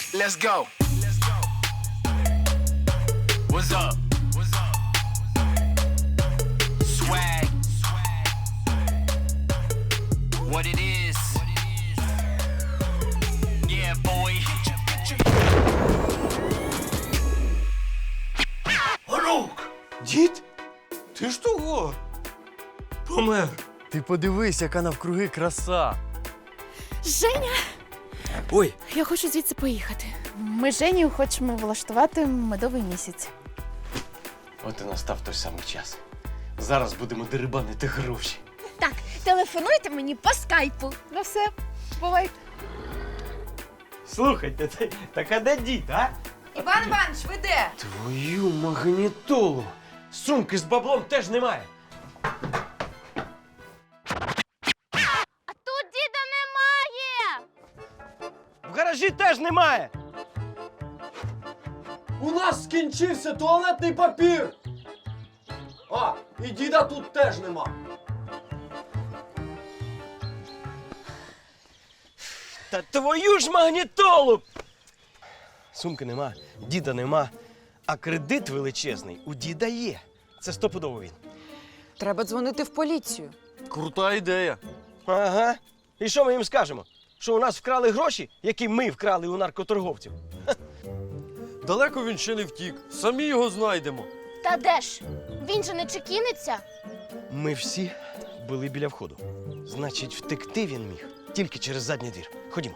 Let's go. What's up? Swag. What it is. Yeah, boy. Онук! Дід? Ти ж того? Помер. Ти подивись, яка навкруги краса. Женя! Ой, Я хочу звідси поїхати. Ми з Женєю хочемо влаштувати медовий місяць. от і настав той самий час. Зараз будемо дерибанити гроші. Так, телефонуйте мені по скайпу. Ну все, бувайте. Слухайте, так а де дід, а? Іван Іванович, ви де? Твою магнітолу! Сумки з баблом теж немає. А тут діда немає. В гаражі теж немає. У нас скінчився туалетний папір. А, і діда тут теж нема. Та твою ж магнітолу! Сумки нема, діда нема, а кредит величезний у діда є. Це стопудово він. Треба дзвонити в поліцію. Крута ідея. Ага. І що ми їм скажемо? Що у нас вкрали гроші, які ми вкрали у наркоторговців? Далеко він ще не втік. Самі його знайдемо. Та де ж? Він же не чекіниться. Ми всі були біля входу. Значить, втекти він міг тільки через задній двір. Ходімо.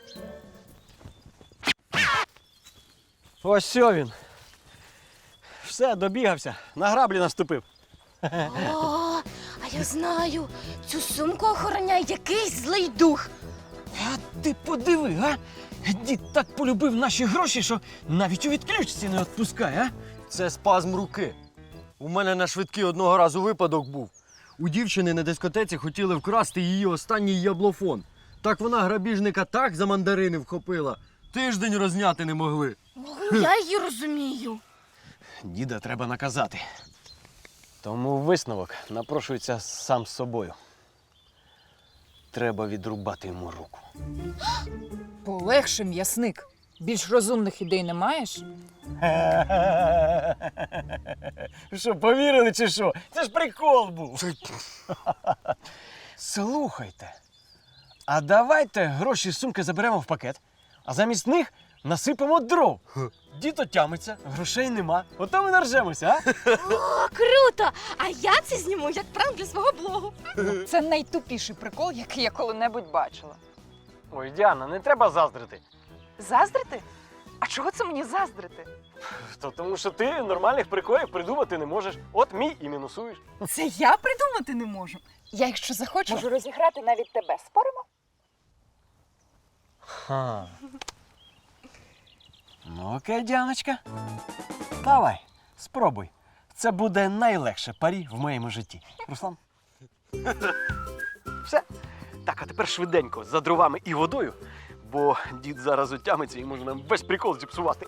Ось сьо він. Все, добігався. На граблі наступив. О, а я знаю, цю сумку охороняє якийсь злий дух. А ти подиви, а? Дід так полюбив наші гроші, що навіть у відключці не відпускає, а? Це спазм руки. У мене на швидкий одного разу випадок був. У дівчини на дискотеці хотіли вкрасти її останній яблофон. Так вона грабіжника так за мандарини вхопила. Тиждень розняти не могли. Я її розумію. Діда треба наказати. Тому висновок напрошується сам з собою. Треба відрубати йому руку. Полегше, м'ясник. Більш розумних ідей не маєш? Що, повірили чи що? Це ж прикол був. Слухайте, а давайте гроші з сумки заберемо в пакет, а замість них насипемо дров. Дід отямиться, грошей нема. Ото ми наржемося, а? О, круто! А я це зніму як пранк для свого блогу. Це найтупіший прикол, який я коли-небудь бачила. Ой, Діана, не треба заздрити. Заздрити? А чого це мені заздрити? Тому що ти нормальних приколів придумати не можеш. От мій і мінусуєш. Це я придумати не можу. Я, якщо захочу, можу розіграти навіть тебе. Споримо? Ха. Ну, окей, Діаночка. Давай, спробуй. Це буде найлегше парі в моєму житті. Руслан? Все. Так, а тепер швиденько, за дровами і водою, бо дід зараз отямиться і може нам весь прикол зіпсувати.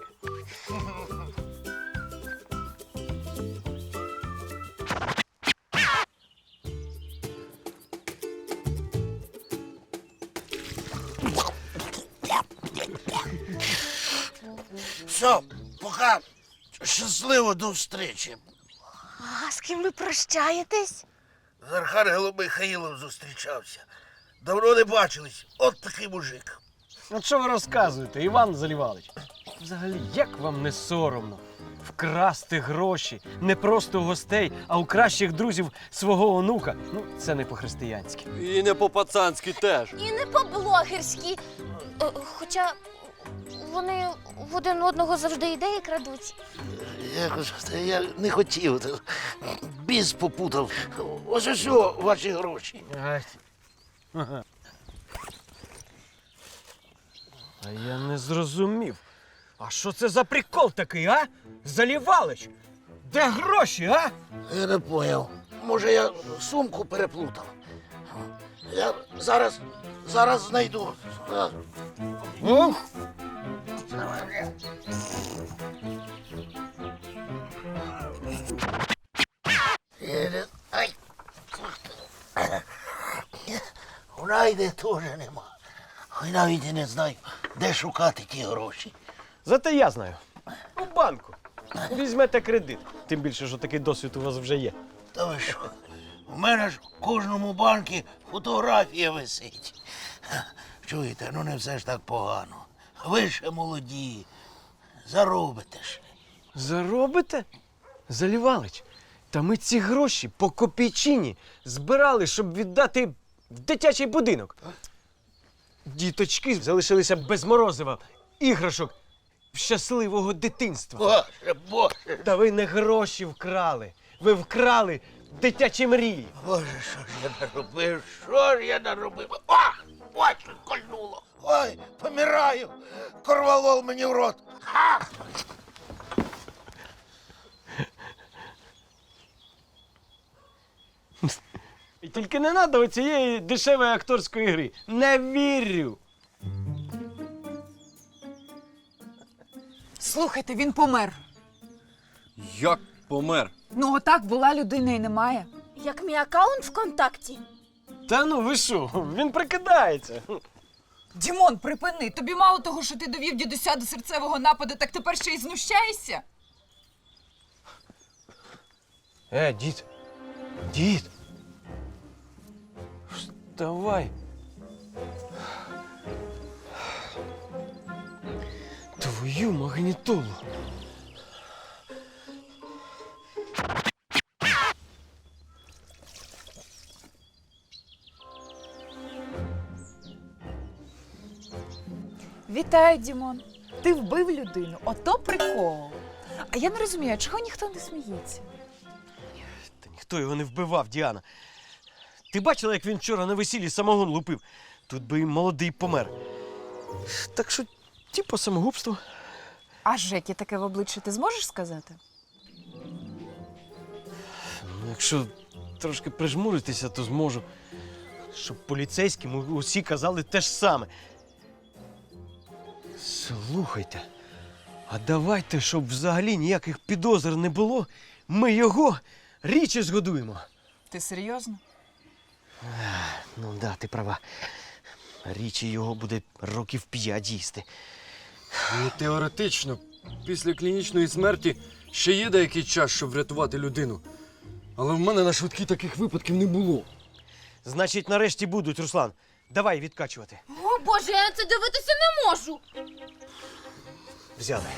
Все, пока. Щасливо до встречі. А з ким ви прощаєтесь? З Архангелом Михаїлом зустрічався. Давно не бачились. От такий мужик. От що ви розказуєте, Іван Залівалич? Взагалі, як вам не соромно вкрасти гроші не просто у гостей, а у кращих друзів свого онука? Ну, це не по-християнськи. І не по-пацанськи теж. І не по-блогерськи. Хоча вони в один одного завжди ідеї крадуть. Я не хотів. Біс попутав. Ось ось ваші гроші. А я не зрозумів. А що це за прикол такий, а? Залівалич! Де гроші, а? Я не поняв. Може, я сумку переплутав. Я зараз знайду. Ух! Ай. У Найди теж нема. Ой, навіть і не знаю, де шукати ті гроші. Зате я знаю. У банку. Візьмете кредит. Тим більше, що такий досвід у вас вже є. Та ви що? У мене ж в кожному банку фотографія висить. Чуєте, ну не все ж так погано. Ви ще молоді, заробите ж. Заробите? Залівалич. Та ми ці гроші по копійчині збирали, щоб віддати в дитячий будинок. Діточки залишилися без морозива, іграшок, щасливого дитинства. Боже, Боже, Та ви не гроші вкрали. Ви вкрали дитячі мрії. Боже, що ж я наробив? Що ж я наробив? О! Ой, що кольнуло! Ой, помираю! Корвалол мені в рот! Ха! І тільки не треба оцієї дешевої акторської гри. Не вірю. Слухайте, він помер. Як помер? Ну, отак була людина і немає. Як мій аккаунт ВКонтакті. Та ну ви що, він прикидається. Дімон, припини. Тобі мало того, що ти довів дідуся до серцевого нападу, так тепер ще й знущаєшся? Дід. Дід. Вставай. Твою магнітолу. Вітаю, Дімон. Ти вбив людину. Ото прикол. А я не розумію, а чого ніхто не сміється? Та ніхто його не вбивав, Діана. Ти бачила, як він вчора на весіллі самогон лупив? Тут би і молодий помер. Так що, типу, самогубство. А Жекі таке в обличчя ти зможеш сказати? Ну, якщо трошки прижмуритися, то зможу. Щоб поліцейським усі казали те ж саме. Слухайте, а давайте, щоб взагалі ніяких підозр не було, ми його річі згодуємо. Ти серйозно? Ну да, ти права. Річі його буде років 5 їсти. Ну, теоретично, після клінічної смерті ще є деякий час, щоб врятувати людину. Але в мене на швидкі таких випадків не було. Значить, нарешті будуть, Руслан. Давай відкачувати. О, Боже, я на це дивитися не можу. Взяли.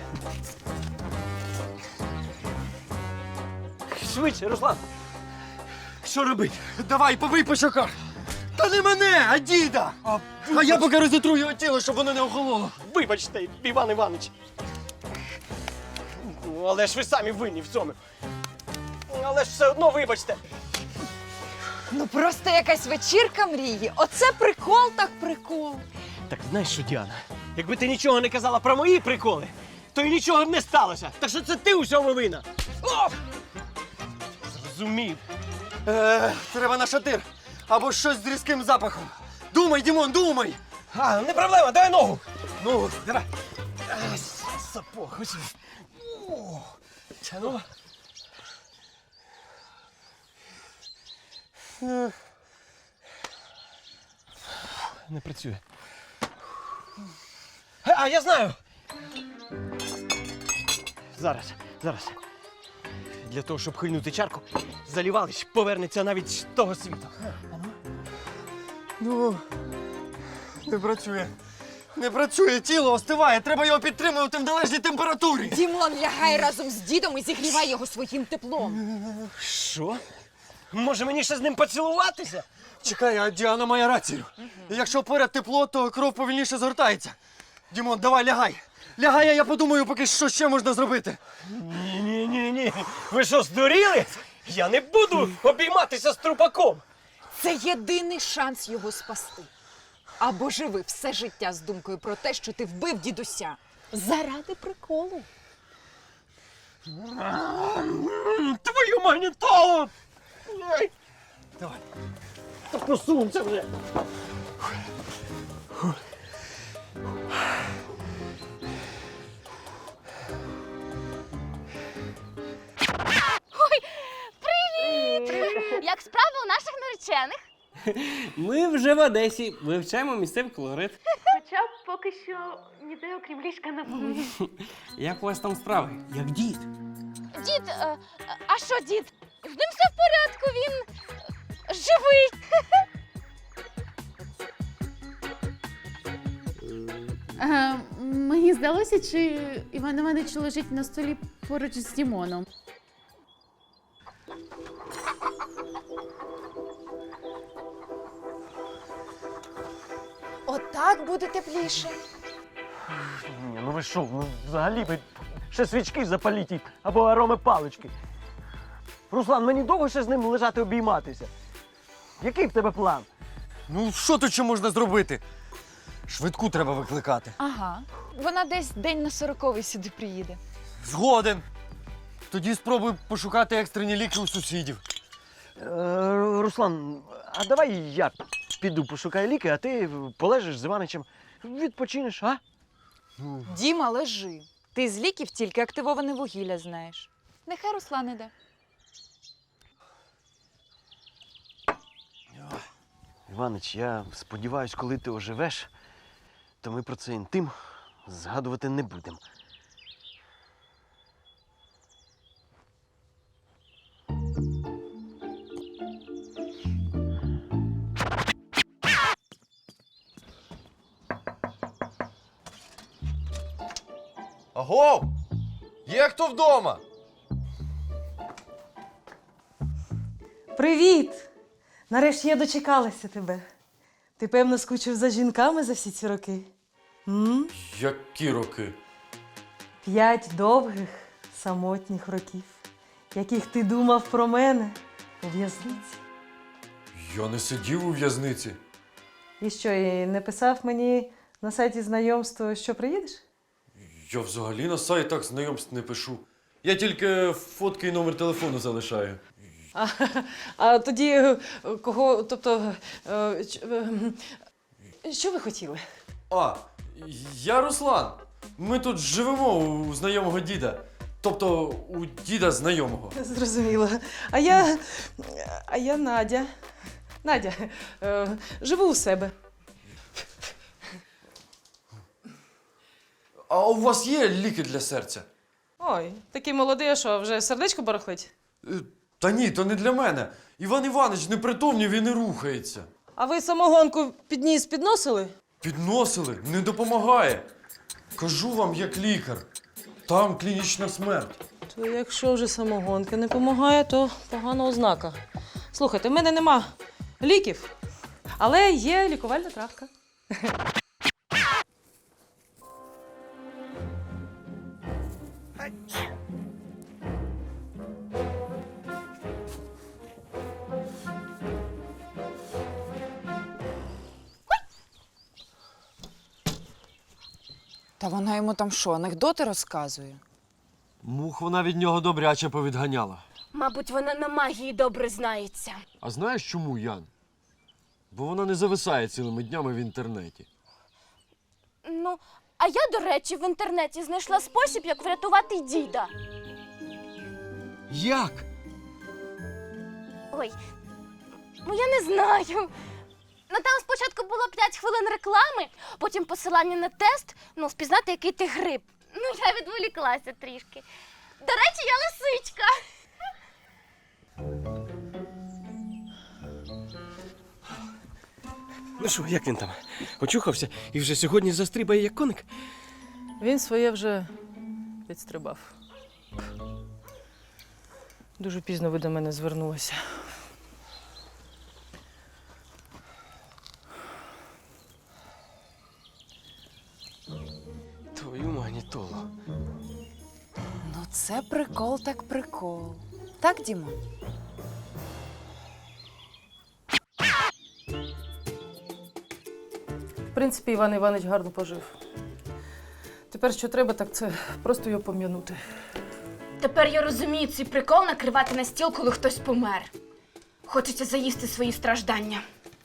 Швидше, Руслан. Що робити? Давай, побий по щоках! Та не мене, а діда! А я поки розітру його тіло, щоб воно не охололо. Вибачте, Іван Іванович. Ну, але ж ви самі винні в цьому. Але ж все одно вибачте. Ну просто якась вечірка мрії. Оце прикол так прикол. Так знаєш що, Діана? Якби ти нічого не казала про мої приколи, то й нічого б не сталося. Так що це ти у всьому винна. О! Зрозумів. Треба на шатир. Або щось з різким запахом. Думай, Дімон, думай! А, не проблема, дай ногу. Ну, давай. Сапог. Ось. О, ну. Не працює. А, я знаю. Зараз. Для того, щоб хильнути чарку, Залівалич повернеться навіть з того світу. Ну, не працює. Не працює, тіло остиває. Треба його підтримувати в належній температурі. Дімон, лягай разом з дідом і зігрівай його своїм теплом. Що? Може мені ще з ним поцілуватися? Чекай, а Діана має рацію. Якщо поряд тепло, то кров повільніше згортається. Дімон, давай, лягай. Лягай, а я подумаю, поки що ще можна зробити. Ні. Ви що, здуріли? Я не буду обійматися з трупаком. Це єдиний шанс його спасти. Або живи все життя з думкою про те, що ти вбив дідуся. Заради приколу. Твою магнітолу! Ой. Давай. Та посунься вже. Як справи у наших наречених? Ми вже в Одесі вивчаємо місцевий колорит. Хоча поки що ніде окрім ліжка не було. Як у вас там справи? Як дід? Дід, а що дід? З ним все в порядку, він живий. Мені здалося, чи Іван Іванович лежить на столі поруч з Дімоном. Отак буде тепліше. Ні, ну ви що, ну взагалі ви ще свічки запаліть або ароми палички. Руслан, мені довго ще з ним лежати обійматися. Який в тебе план? Ну, що тут ще можна зробити? Швидку треба викликати. Ага. Вона десь день на 40-й сюди приїде. Згоден. Тоді спробуй пошукати екстрені ліки у сусідів. Руслан, а давай я піду пошукаю ліки, а ти полежиш з Іваничем, відпочинеш, а? Діма, лежи. Ти з ліків тільки активоване вугілля знаєш. Нехай Руслан іде. Іванич, я сподіваюсь, коли ти оживеш, то ми про це інтим згадувати не будемо. Агов! Є хто вдома? Привіт! Нарешті я дочекалася тебе. Ти, певно, скучив за жінками за всі ці роки? Які роки? 5 довгих, самотніх років, яких ти думав про мене у в'язниці. Я не сидів у в'язниці. І що, і не писав мені на сайті знайомства, що приїдеш? Я взагалі на сайтах знайомств не пишу. Я тільки фотки і номер телефону залишаю. А тоді кого, тобто, що ви хотіли? А, я Руслан. Ми тут живемо у знайомого діда. Тобто у діда знайомого. Зрозуміло. А я Надя. Надя, живу у себе. А у вас є ліки для серця? Ой, такий молодий, а що, вже сердечко барахлить? Та ні, то не для мене. Іван Іванович непритомнів і не рухається. А ви самогонку під ніс підносили? Підносили, не допомагає. Кажу вам, як лікар. Там клінічна смерть. То якщо вже самогонка не допомагає, то погана ознака. Слухайте, в мене нема ліків, але є лікувальна травка. Та вона йому там що, анекдоти розказує? Мух вона від нього добряче повідганяла. Мабуть, вона на магії добре знається. А знаєш чому, Ян? Бо вона не зависає цілими днями в інтернеті. Ну, а я, до речі, в інтернеті знайшла спосіб, як врятувати діда. Як? Ой, ну я не знаю. Ну там спочатку було 5 хвилин реклами, потім посилання на тест, ну, впізнати, який ти гриб. Ну, я відволіклася трішки. До речі, я лисичка. Ну що, як він там? Очухався і вже сьогодні застрибає як коник? Він своє вже підстрибав. Дуже пізно ви до мене звернулися. Твою магнітолу. Ну це прикол так прикол. Так, Діма? В принципі, Іван Іванович гарно пожив. Тепер що треба, так це просто його пом'янути. Тепер я розумію цей прикол накривати на стіл, коли хтось помер. Хочеться заїсти свої страждання.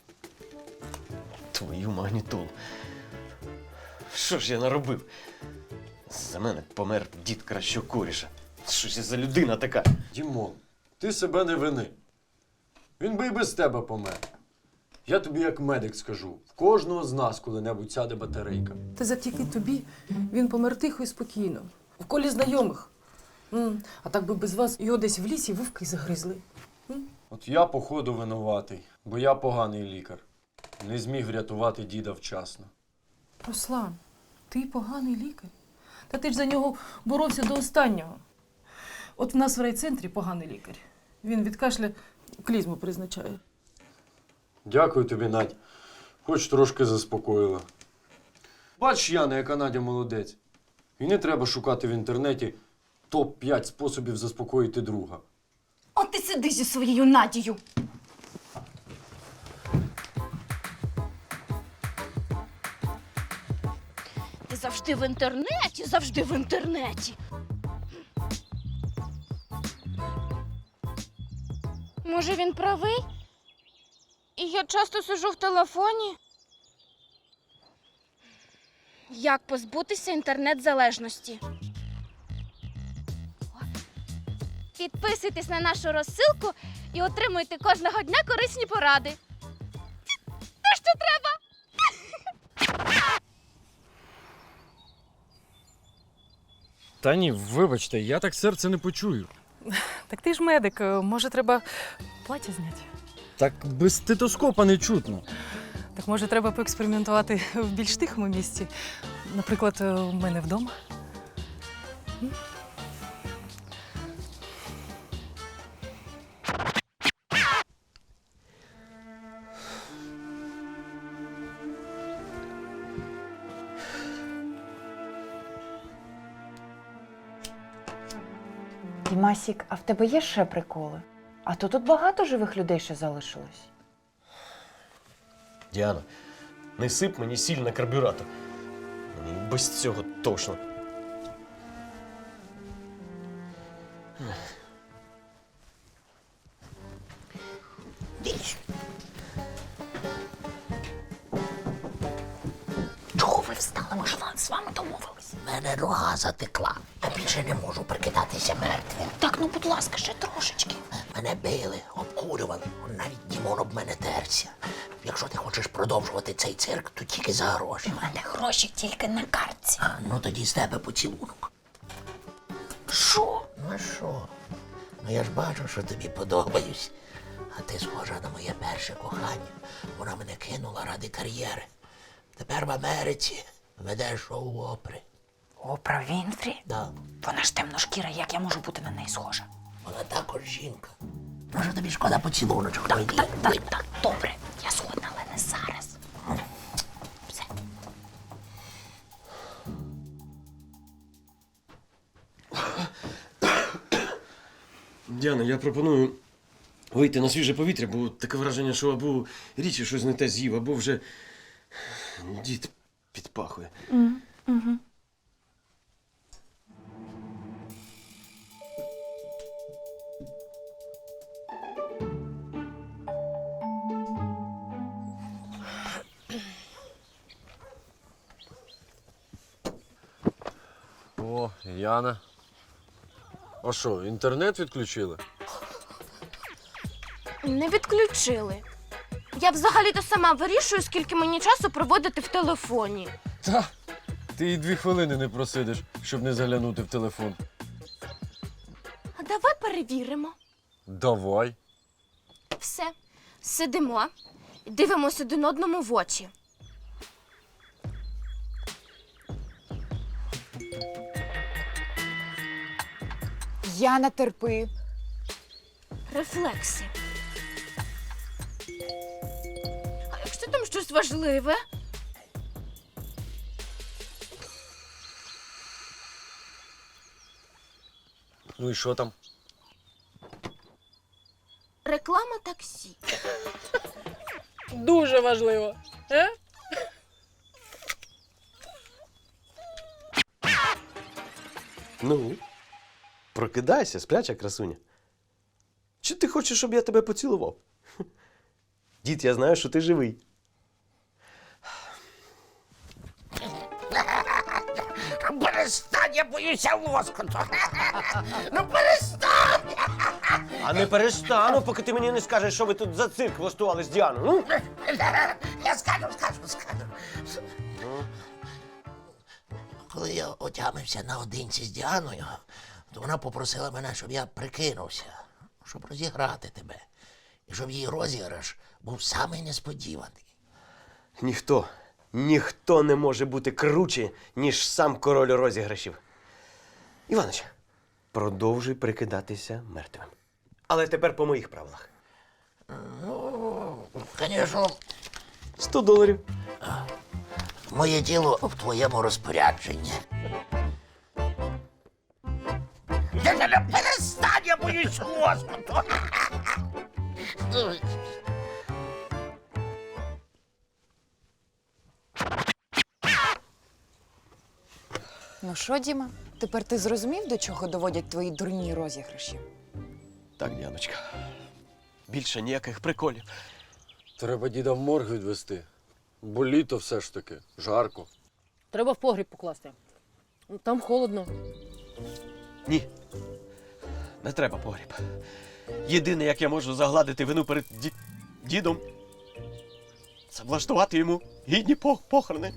Твою магнітолу. Що ж я наробив? За мене помер дід Кращокоріша. Що ж я за людина така? Дімон, ти себе не вини. Він би і без тебе помер. Я тобі як медик скажу, в кожного з нас коли-небудь сяде батарейка. Та завдяки тобі він помер тихо і спокійно, в колі знайомих. А так би без вас його десь в лісі вовки загризли. От я, походу, винуватий, бо я поганий лікар. Не зміг врятувати діда вчасно. Руслан, ти поганий лікар. Та ти ж за нього боровся до останнього. От в нас в райцентрі поганий лікар. Він від кашля клізму призначає. Дякую тобі, Надь. Хоч трошки заспокоїла. Бач, Яна, яка Надя молодець. І не треба шукати в інтернеті топ-5 способів заспокоїти друга. От ти сиди зі своєю Надією. Ти завжди в інтернеті, завжди в інтернеті. Може, він правий? І я часто сиджу в телефоні. Як позбутися інтернет-залежності? Підписуйтесь на нашу розсилку і отримуйте кожного дня корисні поради. Те, що треба! Та ні, вибачте, я так серце не почую. Так ти ж медик, може треба плаття зняти? Так без стетоскопа не чутно. Так може треба поекспериментувати в більш тихому місці? Наприклад, у мене вдома? Дімасік, а в тебе є ще приколи? А то тут багато живих людей ще залишилось. Діана, не сип мені сіль на карбюратор. Без цього точно. Чого ви встали? Ми ж з вами домовились. Мене нога затекла. Я більше не можу прикидатися мертвим. Так, ну будь ласка, ще трошечки. Мене били, обкурювали, навіть Дімон об мене терся. Якщо ти хочеш продовжувати цей цирк, то тільки за гроші. У мене гроші тільки на картці. А, ну тоді з тебе поцілунок. Що? Ну а що? Ну я ж бачу, що тобі подобаюсь. А ти схожа на моє перше кохання. Вона мене кинула ради кар'єри. Тепер в Америці веде шоу опри. Опра Вінфрі? Да. Вона ж темношкіра, як я можу бути на неї схожа? Вона також жінка. Може тобі шкода поцілуночок? Так, добре. Я згодна, але не зараз. Все. Діана, я пропоную вийти на свіже повітря, бо таке враження, що або Річі щось не те з'їв, або вже дід підпахує. О, Яна. А що, інтернет відключили? Не відключили. Я взагалі-то сама вирішую, скільки мені часу проводити в телефоні. Та, ти і 2 хвилини не просидиш, щоб не заглянути в телефон. А давай перевіримо. Давай. Все, сидимо і дивимося один одному в очі. Яна, терпи. Рефлекси. А якщо там щось важливе? Ну і що там? Реклама таксі. Дуже важливо. Ну, прокидайся, спляча красуня. Чи ти хочеш, щоб я тебе поцілував? Дід, я знаю, що ти живий. Перестань, я боюся лоскоту. Ну перестань! А не перестану, поки ти мені не скажеш, що ви тут за цирк влаштували з Діаною. Ну? Я скажу. Коли я отямився наодинці з Діаною, то вона попросила мене, щоб я прикинувся, щоб розіграти тебе. І щоб її розіграш був самий несподіваний. Ніхто не може бути круче, ніж сам король розіграшів. Іванич, продовжуй прикидатися мертвим. Але тепер по моїх правилах. Ну, звісно, $100. моє тіло в твоєму розпорядженні. Перестань, я боюсь лоскуту. Ну що, Діма, тепер ти зрозумів, до чого доводять твої дурні розіграші? Так, Діаночка. Більше ніяких приколів. Треба діда в морг відвести. Бо літо все ж таки, жарко. Треба в погріб покласти. Там холодно. Ні. Не треба погріб. Єдине, як я можу загладити вину перед дідом, це влаштувати йому гідні похорони.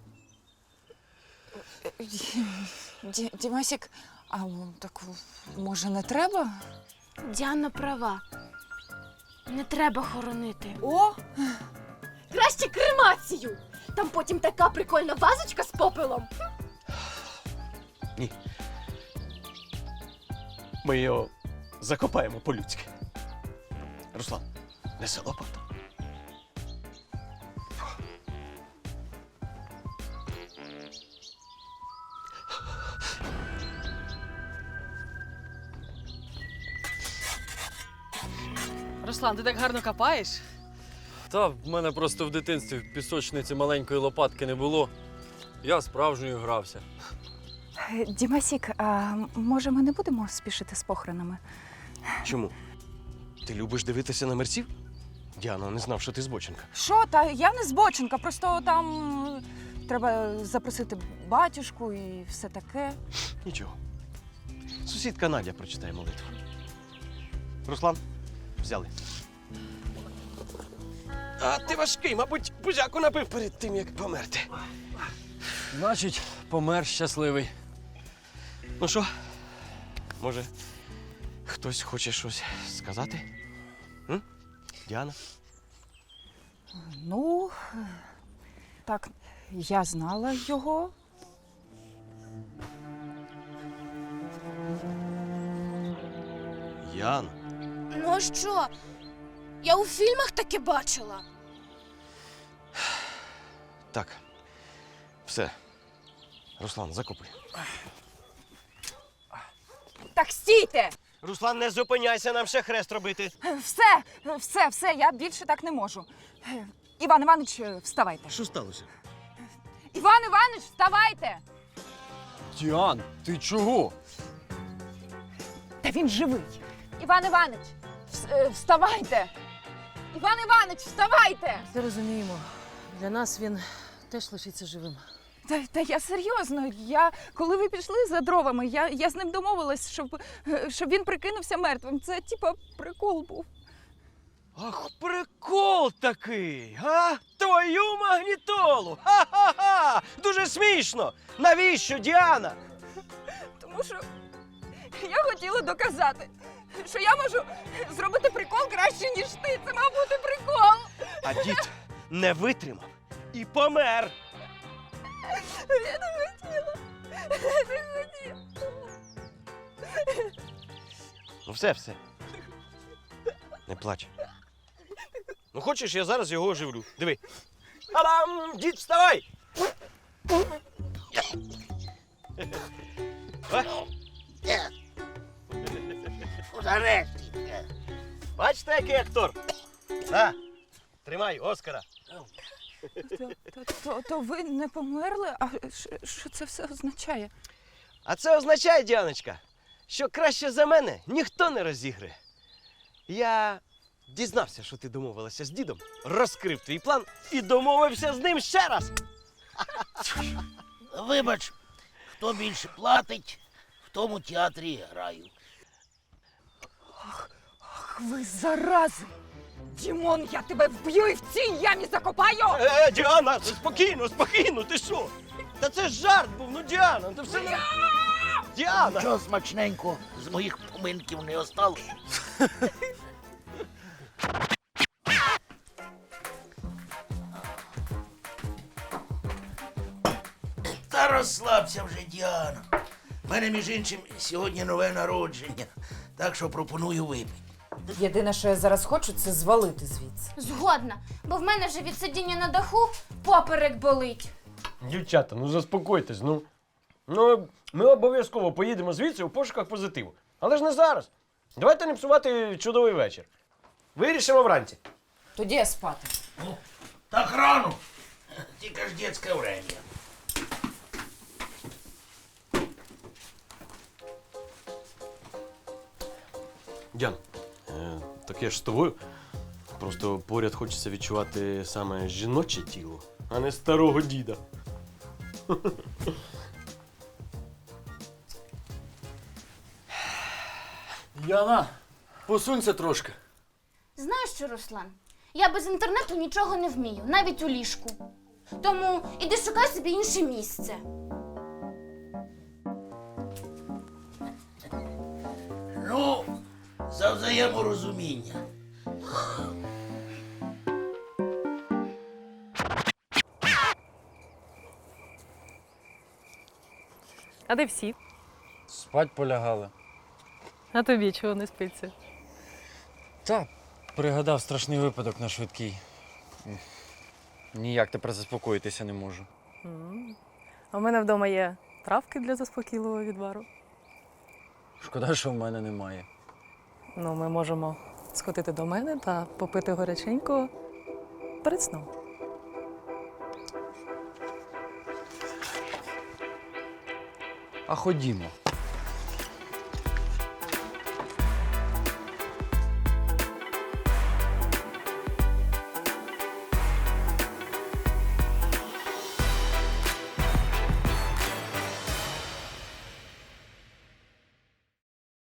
Дімасік, а так може не треба? Діана права. Не треба хоронити. О! Краще кремацію! Там потім така прикольна вазочка з попелом. Ні. Ми його закопаємо по-людськи. Руслан, неси лопату. Руслан, ти так гарно копаєш? Та в мене просто в дитинстві в пісочниці маленької лопатки не було. Я справжньою грався. Дімасік, а може ми не будемо спішити з похоронами? Чому? Ти любиш дивитися на мерців? Діана, не знав, що ти збоченка. Що, та я не збоченка, просто там треба запросити батюшку і все таке. Нічого. Сусідка Надя прочитає молитву. Руслан, взяли. А ти важкий, мабуть, бузяку набив перед тим, як померти. Значить, помер щасливий. Ну що, може, хтось хоче щось сказати? М? Діана? Ну, так, я знала його. Яна? Ну а що? Я у фільмах таке бачила. Так. Все. Руслан, закопуй. Так стійте! Руслан, не зупиняйся, нам ще хрест робити. Все, я більше так не можу. Іван Іванович, вставайте. Що сталося? Іван Іванович, вставайте! Діан, ти чого? Та він живий. Іван Іванович, вставайте! Іван Іванович, вставайте! Ти розуміємо, для нас він теж лишиться живим. Та я серйозно. Коли ви пішли за дровами, я з ним домовилась, щоб він прикинувся мертвим. Це типа прикол був. Ах, прикол такий, а? Твою магнітолу! Ха-ха-ха! Дуже смішно! Навіщо, Діана? Тому що я хотіла доказати, що я можу зробити прикол краще, ніж ти. Це мав бути прикол. А дід не витримав і помер. Я не хотіла. Не хотіла. Ну все. Не плач. Ну хочеш, я зараз його оживлю. Диви. Алам! Дід, вставай! Нарешті. Бачите, який актор? На, тримай, Оскара. То ви не померли? А що це все означає? А це означає, Діаночка, що краще за мене ніхто не розіграє. Я дізнався, що ти домовилася з дідом, розкрив твій план і домовився з ним ще раз. Вибач, хто більше платить, в тому театрі і граю. Ах, ви зарази! Дімон, я тебе вб'ю і в цій ямі закопаю! Діана, спокійно, спокійно, ти що? Та це ж жарт був, ну Діана, ти все не... Діана! Нічого смачненько з моїх поминків не осталось. Та розслабся вже, Діана. У мене, між іншим, сьогодні нове народження, так що пропоную випити. Єдине, що я зараз хочу, це звалити звідси. Згодна, бо в мене вже від сидіння на даху поперек болить. Дівчата, ну заспокойтесь, ну. Ну, ми обов'язково поїдемо звідси у пошуках позитиву. Але ж не зараз. Давайте не псувати чудовий вечір. Вирішимо вранці. Тоді я спати. Так рано. Тільки ж дітське время. Діан, так я ж з тобою. Просто поряд хочеться відчувати саме жіноче тіло, а не старого діда. Яна, посунься трошки. Знаєш що, Руслан? Я без інтернету нічого не вмію, навіть у ліжку. Тому іди шукай собі інше місце. Ну, за взаєморозуміння. А де всі? Спать полягали. А тобі чого не спиться? Та, пригадав страшний випадок на швидкій. Ніяк тепер заспокоїтися не можу. А в мене вдома є травки для заспокійливого відвару. Шкода, що в мене немає. Ну, ми можемо сходити до мене та попити горяченького перед сном. А ходімо.